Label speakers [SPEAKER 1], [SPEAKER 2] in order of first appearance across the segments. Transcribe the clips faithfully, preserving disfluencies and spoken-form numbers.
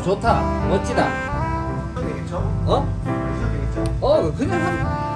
[SPEAKER 1] 좋다. 멋지다.
[SPEAKER 2] 되겠죠?
[SPEAKER 1] 어?
[SPEAKER 2] 되겠죠?
[SPEAKER 1] 어 그냥 한.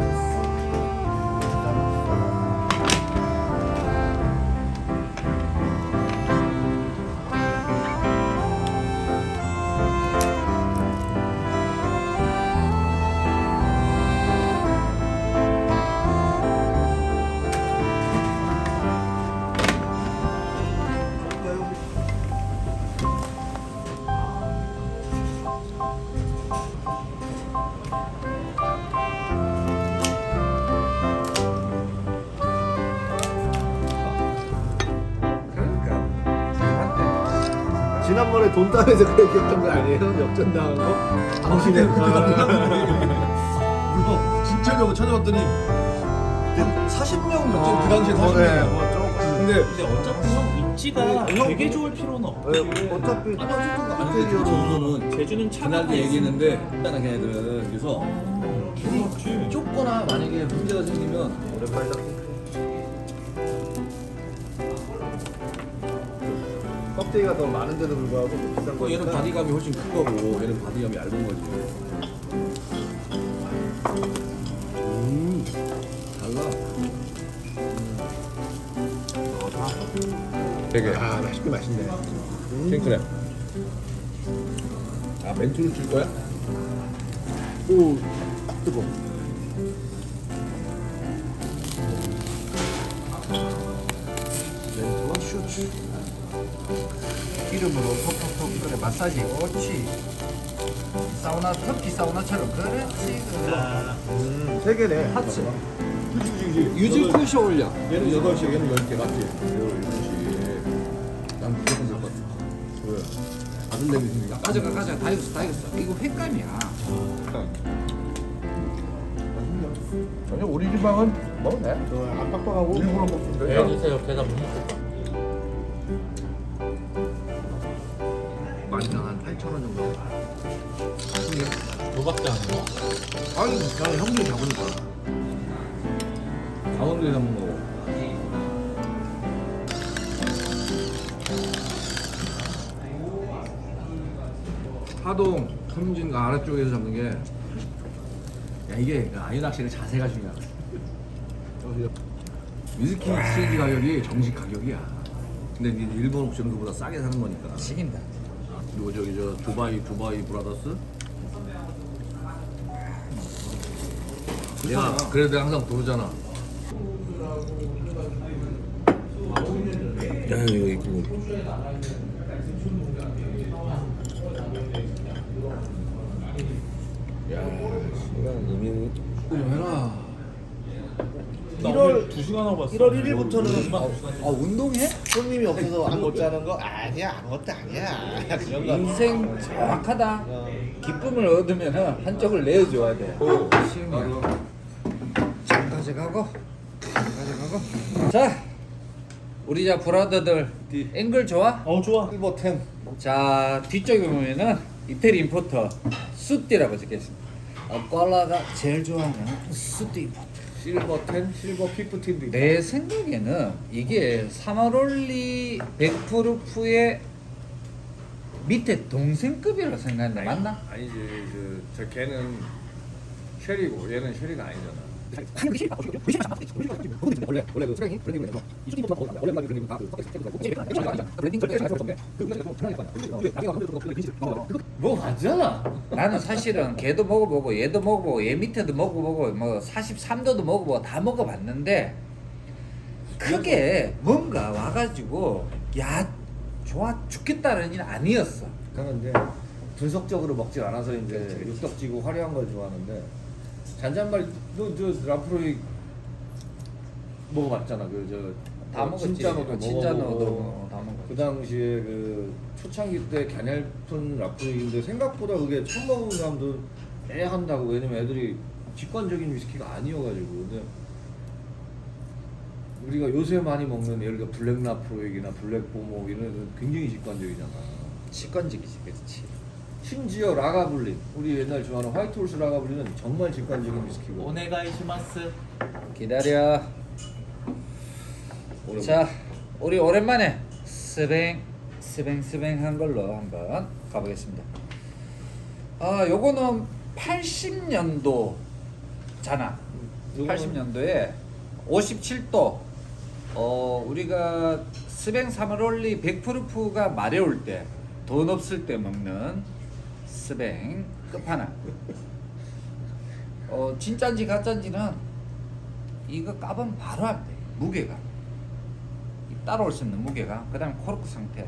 [SPEAKER 2] 지난번에 돈 따면서 그렇게 했던 거 아니에요? 역전당한 거? 당신의
[SPEAKER 3] 물론 진짜 저거 찾아봤더니 사십 명 몇점 그 당시에 사십 명. 근데
[SPEAKER 4] 근데 어차피 형 입지가
[SPEAKER 3] 네, 형-
[SPEAKER 4] 되게 좋을 필요는 없고
[SPEAKER 2] 어차피
[SPEAKER 3] 인테리어로
[SPEAKER 4] 저는 제주는 차가
[SPEAKER 3] 그날도 얘기했는데 간단하게 애들은 그래서
[SPEAKER 4] 그렇지.
[SPEAKER 3] 좁거나 만약에 문제가 생기면
[SPEAKER 2] 오랜만이다. 껍데기가 더 많은데도 불구하고 더 비싼
[SPEAKER 3] 또
[SPEAKER 2] 거.
[SPEAKER 3] 얘는 바디감이 훨씬 큰 거고 얘는 바디감이 얇은 거지. 음 달라. 되게
[SPEAKER 2] 아 맛있게 맛있네.
[SPEAKER 3] 킹크랩. 아 멘트를 줄 거야?
[SPEAKER 2] 오 뜨거. 멘트와 슈츠. 기름으로 톡톡톡 그래 마사지. 옳지. 사우나 터키 사우나처럼 그렇지. 음세 개네. 하츠.
[SPEAKER 3] 유즈 푸시 올려. 얘는 여덟 시, 얘는 열 개 맞지? 여덟 시. 난 무조건 될것 같아. 왜? 아들 내기 있으니까.
[SPEAKER 1] 가져가 가져가 다 익었어 다 익었어. 이거 횟감이야.
[SPEAKER 3] 전혀 우리 지방은 먹으면 돼.
[SPEAKER 2] 저안 빡빡하고
[SPEAKER 3] 일부러 먹으면 돼.
[SPEAKER 4] 배 주세요. 계산 못 먹겠다.
[SPEAKER 2] 많이당 한 팔천 원 정도.
[SPEAKER 4] 너밖에 안 해.
[SPEAKER 2] 아니 나 형들이 잡으니까.
[SPEAKER 3] 강원도에서 한번 먹어. 하동, 삼진 아래쪽에서 잡는 게, 야 이게 아이 낚시의 자세가 중요하다. 위스키 시기 가격이 정식 가격이야. 근데 이제 일본 옥션은 그보다 싸게 사는 거니까.
[SPEAKER 1] 식인다.
[SPEAKER 3] 그리고 저기 저 두바이 두바이 브라더스. 내가 그래도 내가 항상 부르잖아. 야 이거 이거. 야 시간 이미 좀 해라.
[SPEAKER 2] 일월
[SPEAKER 4] 두 시간 하고 봤어.
[SPEAKER 2] 일월 일일부터는
[SPEAKER 1] 아 운동해?
[SPEAKER 2] 손님이 없어서 안 못 자는 거 아니야 아무것도 아니야 그런 거.
[SPEAKER 1] 인생 정확하다. 기쁨을 얻으면 한쪽을 내어줘야 돼. 쉬운 거. 장 가져가고 장 가져가고. 자 우리 자 브라더들 앵글 좋아?
[SPEAKER 4] 어 좋아.
[SPEAKER 2] 실버 텐
[SPEAKER 1] 자 뒤쪽에 보면은 이태리 임포터 수띠라고 적혀있습니다. 어, 꼴라가 제일 좋아하는 수띠 임포터.
[SPEAKER 3] 실버 텐, 실버 피프틴도 있고.
[SPEAKER 1] 내 생각에는 이게 사마롤리 백프루프의 밑에 동생급이라고 생각하는데 맞나?
[SPEAKER 3] 아니지 그, 저 걔는 쉐리고 얘는 쉐리가 아니잖아.
[SPEAKER 2] 원래 원래 그 수량이 브랜딩을 해서 이 수준부터 먹어 원래 만 브랜딩 다그 브랜딩 절대 할 없는데 그 브랜딩 좀 편할 거 아니야. 나중에 가면 또 근시를
[SPEAKER 1] 뭐 맞잖아. 나는 사실은 걔도 먹어보고 얘도 먹어보고 얘 밑에도 먹어보고 뭐 사십삼 도도 먹어보고 다 먹어봤는데 크게 뭔가 와가지고 야 좋아 죽겠다는 일은 아니었어.
[SPEAKER 3] 그러니까 이제 분석적으로 먹지 않아서 이제 육덕지고 화려한 걸 좋아하는데 잔잔말 너저 라프로이 먹어봤잖아. 그 저
[SPEAKER 1] 다 먹었지.
[SPEAKER 3] 진짜노도
[SPEAKER 1] 진짜노도
[SPEAKER 3] 먹어보고
[SPEAKER 1] 다 먹었지.
[SPEAKER 3] 그 당시에 그 초창기 때 갸냘픈 라프로이인데 생각보다 그게 처음 먹은 사람도 애 한다고. 왜냐면 애들이 직관적인 위스키가 아니어가지고. 근데 우리가 요새 많이 먹는 예를 들어 블랙 라프로이나 블랙 보모 이런 애들은 굉장히 직관적이잖아.
[SPEAKER 1] 직관적이지, 그렇지.
[SPEAKER 3] 심지어 라가블린, 우리 옛날 좋아하는 화이트홀스 라가블린은 정말 직관적인 위스키고.
[SPEAKER 4] 오네가이시마스.
[SPEAKER 1] 기다려.
[SPEAKER 3] 오래
[SPEAKER 1] 자, 우리 오랜만에 스랭 스뱅스뱅한 걸로 한번 가보겠습니다. 아, 요거는 팔십 년도잖아.
[SPEAKER 3] 요거는-
[SPEAKER 1] 팔십 년도에 오십칠 도. 어, 우리가 스뱅 사마롤리 백 프루프가 마려울 때, 돈 없을 때 먹는 스뱅 끝판왕. 어, 진짠지 가짠지는 이거 까보면 바로 안 돼. 무게가. 이 따라올 수 있는 무게가. 그 다음에 코르크 상태.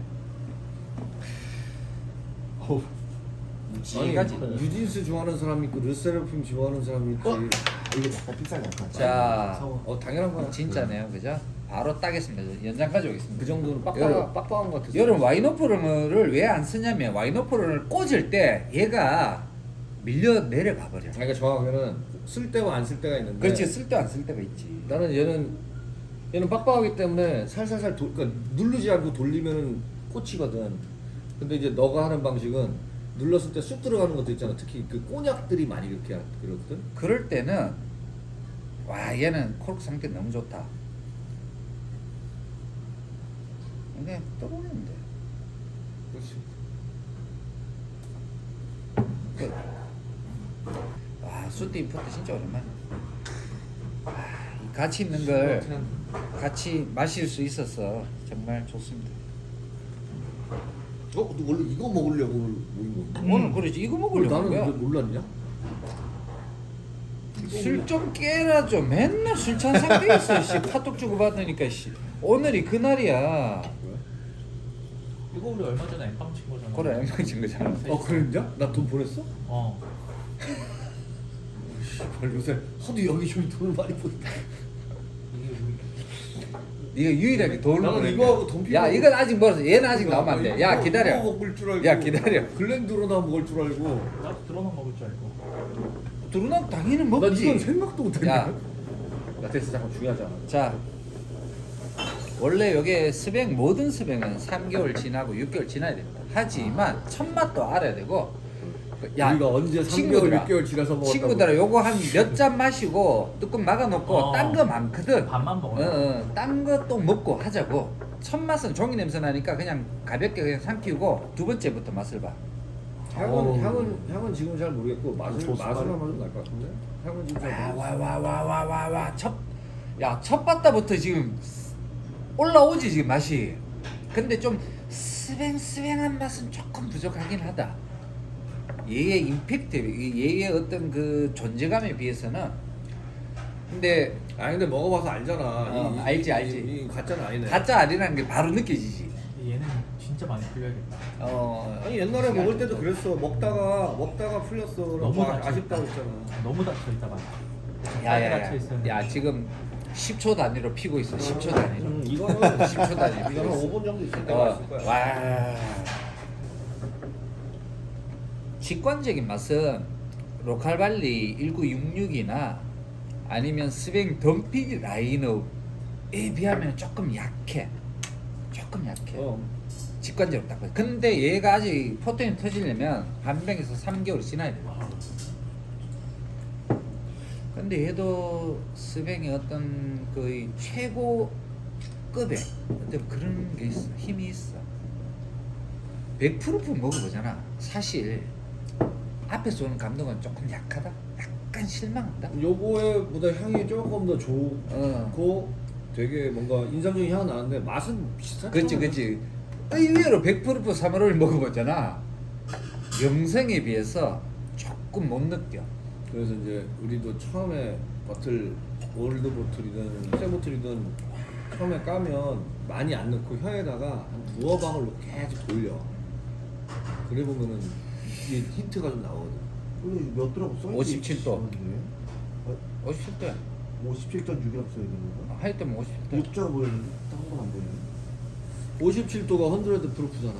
[SPEAKER 3] 어우. 아니
[SPEAKER 1] 이가지.
[SPEAKER 3] 뉴진스 좋아하는 사람이 있고 르세라핌 좋아하는 사람이 있지.
[SPEAKER 2] 어? 이거 약간 비싸게 할까?
[SPEAKER 1] 자,
[SPEAKER 3] 어 당연한 거야.
[SPEAKER 1] 진짜네요, 그죠? 바로 따겠습니다. 연장 가져오겠습니다.
[SPEAKER 3] 그 정도는 빡빡
[SPEAKER 1] 여러분,
[SPEAKER 3] 빡빡한 것 같아서.
[SPEAKER 1] 여러분 와이노프를 왜 안 쓰냐면 와이노프를 꽂을 때 얘가 밀려 내려가 버려.
[SPEAKER 3] 그러니까 정확하게는 쓸 때와 안 쓸 때가 있는데.
[SPEAKER 1] 그렇지, 쓸 때 안 쓸 때가 있지.
[SPEAKER 3] 나는 얘는 얘는 빡빡하기 때문에 살살살 도, 그러니까 누르지 않고 돌리면은 꽂히거든. 근데 이제 너가 하는 방식은 눌렀을 때 쑥 들어가는 것도 있잖아. 특히 그 꼬냑들이 많이 이렇게 하- 그러거든.
[SPEAKER 1] 그럴 때는 와 얘는 코르크 상태 너무 좋다. 그냥 떠오르는데.
[SPEAKER 3] 그렇지.
[SPEAKER 1] 그, 와 수트 인포트 진짜 오랜만에. 와, 이 가치 있는 걸 같이 마실 수 있어서 정말 좋습니다.
[SPEAKER 3] 어? 너 원래 이거 먹으려고 모인 건가?
[SPEAKER 1] 오늘 그러지 이거 먹으려고 한
[SPEAKER 3] 나는
[SPEAKER 1] 거야.
[SPEAKER 3] 왜 몰랐냐?
[SPEAKER 1] 술 좀 깨라 좀. 맨날 술 취한 상태에 있어. 씨 카톡 주고 받으니까 씨. 오늘이 그날이야.
[SPEAKER 4] 이거 우리 얼마 전에 엠빵 친 거잖아.
[SPEAKER 1] 그래 엠빵 친 거잖아.
[SPEAKER 3] 어 그랬냐? 나 돈 보냈어?
[SPEAKER 4] 어.
[SPEAKER 3] 씨발 요새 하도 여기저기 돈을 많이 보냈다.
[SPEAKER 4] 이게 우리
[SPEAKER 1] 네가 유일하게 돈을
[SPEAKER 3] 나는
[SPEAKER 1] 보냈네.
[SPEAKER 3] 이거하고 돈
[SPEAKER 1] 야
[SPEAKER 3] 필요하고-
[SPEAKER 1] 이건 아직 멀었어. 얘는 아직 나오면 안 돼. 야
[SPEAKER 3] 이거
[SPEAKER 1] 기다려.
[SPEAKER 3] 먹을 줄 알고.
[SPEAKER 1] 야 기다려.
[SPEAKER 3] 글렌드로나 먹을 줄 알고.
[SPEAKER 4] 나도 드러만 먹을 줄 알고.
[SPEAKER 1] 두루나 당연히
[SPEAKER 3] 난
[SPEAKER 1] 먹지.
[SPEAKER 3] 이건 생각도 못했네.
[SPEAKER 1] 야.
[SPEAKER 3] 나 됐어 잠깐 중요하잖아.
[SPEAKER 1] 자 원래 여기 스뱅 모든 스뱅은 삼 개월 지나고 육 개월 지나야 됩니다. 하지만 첫 맛도 알아야 되고.
[SPEAKER 3] 우리가 언제 삼 개월,
[SPEAKER 1] 친구들아,
[SPEAKER 3] 육 개월 지나서 먹었다고.
[SPEAKER 1] 친구들아 요거 한 몇 잔 마시고 뚜껑 막아놓고
[SPEAKER 4] 어.
[SPEAKER 1] 딴 거 많거든.
[SPEAKER 4] 반만 먹어요.
[SPEAKER 1] 어, 어, 딴 거 또 먹고 하자고. 첫 맛은 종이 냄새 나니까 그냥 가볍게 그냥 삼키고 두 번째부터 맛을 봐.
[SPEAKER 3] 향은
[SPEAKER 2] 어우.
[SPEAKER 3] 향은 향은 지금 잘 모르겠고 맛을
[SPEAKER 2] 좋습니다.
[SPEAKER 3] 맛을 한번 좀 날 것 같은데. 향은 지금 잘 모르겠어.
[SPEAKER 1] 와 와 와 와 와 와 첫 야 첫 바다부터 지금 올라오지 지금 맛이. 근데 좀 스뱅 스뱅한 맛은 조금 부족하긴 하다. 얘의 임팩트, 얘의 어떤 그 존재감에 비해서는. 근데
[SPEAKER 3] 아니 근데 먹어봐서 알잖아.
[SPEAKER 1] 어,
[SPEAKER 3] 이- 이-
[SPEAKER 1] 알지,
[SPEAKER 3] 이-
[SPEAKER 1] 알지.
[SPEAKER 3] 이, 이 가짜는 아니네.
[SPEAKER 1] 가짜 아니라는 게 바로 느껴지지.
[SPEAKER 4] 얘는 진짜 많이 풀려야겠다.
[SPEAKER 1] 어
[SPEAKER 3] 아니 옛날에 먹을 때도 그랬어. 먹다가 먹다가 풀렸어.
[SPEAKER 4] 너무
[SPEAKER 3] 막
[SPEAKER 4] 닫혀
[SPEAKER 3] 아쉽다고
[SPEAKER 4] 있다.
[SPEAKER 3] 했잖아.
[SPEAKER 4] 너무 닫혀 있다가.
[SPEAKER 1] 야야야.
[SPEAKER 4] 닫혀 있었는데.
[SPEAKER 1] 야 지금 십 초 단위로 피고 있어. 십 초 단위로.
[SPEAKER 3] 음, 이거는
[SPEAKER 1] 십 초 단위로.
[SPEAKER 3] 이거 한 오 분 정도 있을 때가
[SPEAKER 1] 어,
[SPEAKER 3] 있을 거야.
[SPEAKER 1] 와. 직관적인 맛은 로컬발리 천구백육십육이나 아니면 스뱅 덤피기 라인업에 비하면 조금 약해. 조금 약해.
[SPEAKER 3] 어.
[SPEAKER 1] 직관적으로 딱 봐. 근데 얘가 아직 포텐이 터지려면 한 병에서 삼 개월이 지나야 돼. 근데 얘도 스뱅의 어떤 거의 최고급의 어떤 그런 게 있어. 힘이 있어. 백 프로프 먹어보잖아. 사실 앞에서 오는 감동은 조금 약하다. 약간 실망한다.
[SPEAKER 3] 요거에보다 향이 조금 더 좋고
[SPEAKER 1] 어.
[SPEAKER 3] 되게 뭔가 인상적인 향은 나는데 맛은 비슷하잖아.
[SPEAKER 1] 그치 그치. 의외로 백 프로프 사마롤 먹어보잖아. 영생에 비해서 조금 못 느껴.
[SPEAKER 3] 그래서 이제 우리도 처음에 버틀 올드 보틀이든 새 보틀이든 처음에 까면 많이 안 넣고 혀에다가 한 두어 방울 넣고 계속 돌려. 그래 보면은 이게 힌트가 좀 나오거든.
[SPEAKER 2] 오늘 몇 도라고 써있지?
[SPEAKER 1] 오십칠 도. 오십칠 대.
[SPEAKER 2] 오십칠 점 육이라고 써야 되는 건가?
[SPEAKER 1] 할 때면 오십칠 대.
[SPEAKER 2] 육자가 보이는데 딴 건 안 보이네.
[SPEAKER 3] 오십칠 도가 헌드레드 프루프잖아.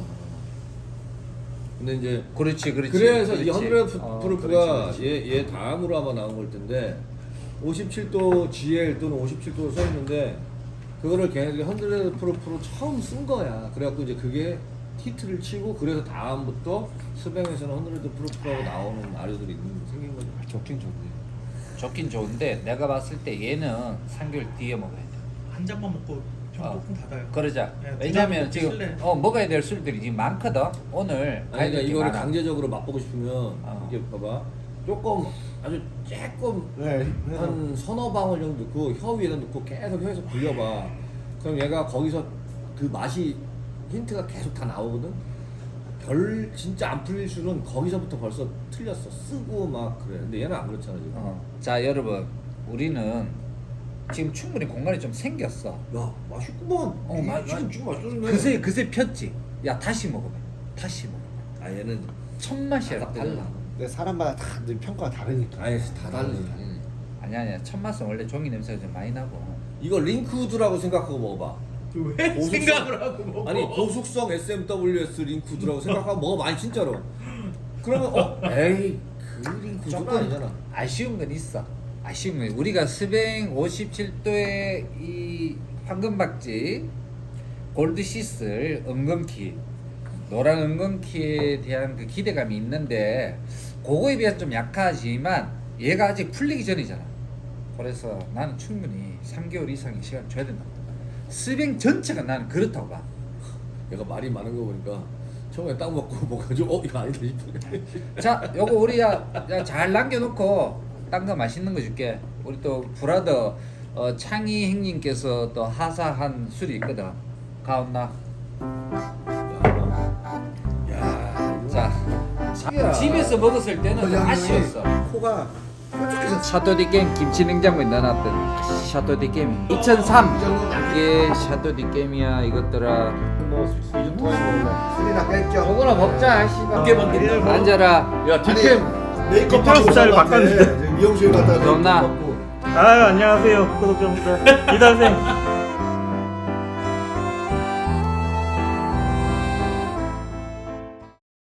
[SPEAKER 3] 근데 이제
[SPEAKER 1] 그렇지 그렇지.
[SPEAKER 3] 그래서 이
[SPEAKER 1] 그렇지.
[SPEAKER 3] 헌드레드
[SPEAKER 1] 어,
[SPEAKER 3] 프루프가
[SPEAKER 1] 그렇지, 그렇지.
[SPEAKER 3] 얘, 얘 다음으로 아마 나온 걸 텐데 오십칠 도 지엘 또는 오십칠 도로 써 있는데 그거를 걔네들이 헌드레드 프루프로 처음 쓴 거야. 그래갖고 이제 그게 히트를 치고 그래서 다음부터 스뱅에서는 헌드레드 프루프라고 나오는 아류들이 있는 생긴 거죠.
[SPEAKER 1] 좋긴 좋네. 좋긴 좋은데 내가 봤을 때 얘는 삼 개월 뒤에 먹어야 돼.
[SPEAKER 4] 한 잔만 먹고
[SPEAKER 1] 어,
[SPEAKER 4] 조금 닫아요.
[SPEAKER 1] 그러자.
[SPEAKER 4] 네,
[SPEAKER 1] 왜냐면
[SPEAKER 4] 부담
[SPEAKER 1] 지금
[SPEAKER 4] 없이
[SPEAKER 1] 어 먹어야 될 술들이 지금 많거든. 오늘
[SPEAKER 3] 아니 그러니까
[SPEAKER 1] 가격이
[SPEAKER 3] 이거를
[SPEAKER 1] 많아.
[SPEAKER 3] 강제적으로 맛보고 싶으면
[SPEAKER 1] 어.
[SPEAKER 3] 이게 봐봐 조금 아주 조금
[SPEAKER 2] 네.
[SPEAKER 3] 한 서너 방울 정도 넣고 혀 위에다 넣고 계속 혀에서 불려봐. 그럼 얘가 거기서 그 맛이 힌트가 계속 다 나오거든. 별 진짜 안 풀릴 술은 거기서부터 벌써 틀렸어. 쓰고 막 그래. 근데 얘는 안 그렇잖아 지금.
[SPEAKER 1] 어. 자 여러분 우리는 지금 충분히 공간이 좀 생겼어.
[SPEAKER 3] 야 맛있구만.
[SPEAKER 1] 어,
[SPEAKER 3] 이
[SPEAKER 1] 맛-
[SPEAKER 3] 지금 좀 맛있네.
[SPEAKER 1] 그새 그새 폈지. 야 다시 먹어봐. 다시 먹어.
[SPEAKER 3] 아 얘는
[SPEAKER 1] 첫 맛이야
[SPEAKER 3] 다
[SPEAKER 1] 달라.
[SPEAKER 2] 근데 사람마다 다 늘 평가가 다르니까.
[SPEAKER 3] 아예 다 다르지.
[SPEAKER 1] 음. 아니야 아니야 첫 맛은 원래 종이 냄새가 좀 많이 나고.
[SPEAKER 3] 이거 링크우드라고 생각하고 먹어봐.
[SPEAKER 4] 왜
[SPEAKER 3] 고속성-
[SPEAKER 4] 생각을 하고 먹어?
[SPEAKER 3] 아니 고속성 에스엠더블유에스 링크우드라고 생각하고 먹어봐. 아니 진짜로. 그러면 어 에이 그 링크우드가
[SPEAKER 1] 조금
[SPEAKER 3] 아니잖아.
[SPEAKER 1] 아쉬운 건 있어. 아쉬운 건 우리가 스뱅 오십칠 도의 이 황금박쥐 골드시슬 은근키 노란 은근키에 대한 그 기대감이 있는데 그거에 비해서 좀 약하지만 얘가 아직 풀리기 전이잖아. 그래서 나는 충분히 삼 개월 이상의 시간 줘야 된다. 스뱅 전체가 나는 그렇다고 봐.
[SPEAKER 3] 얘가 말이 많은 거 보니까 처음에 딱 먹고 먹어가지고 어 이거 아니다 싶은데.
[SPEAKER 1] 자, 요거 우리 야, 야, 잘 남겨놓고 딴 거 맛있는 거 줄게. 우리 또 브라더 어, 창희 형님께서 또 하사한 술이 있거든. 가온나.
[SPEAKER 3] 야,
[SPEAKER 1] 자,
[SPEAKER 3] 야.
[SPEAKER 1] 집에서 먹었을 때는 좀 아쉬웠어.
[SPEAKER 2] 코가 뾰족해서
[SPEAKER 1] 샤토디 게임 김치 냉장고에 넣어놨던 샤토디 게임 이천삼 이게 샤토디 게임이야 이것들아.
[SPEAKER 2] 뭐이좀 도와줘. 술이나 뺄겸.
[SPEAKER 1] 요거나 먹자 씨발.
[SPEAKER 4] 어깨 벗긴다.
[SPEAKER 1] 앉아라.
[SPEAKER 3] 야 디캠.
[SPEAKER 2] 메이크업
[SPEAKER 5] 이태원 스타일 바꿨는데.
[SPEAKER 2] 미용실 갔다가
[SPEAKER 1] 그럼 나-
[SPEAKER 2] 메이크업 받고.
[SPEAKER 5] 아유 안녕하세요 구독자분들 이달생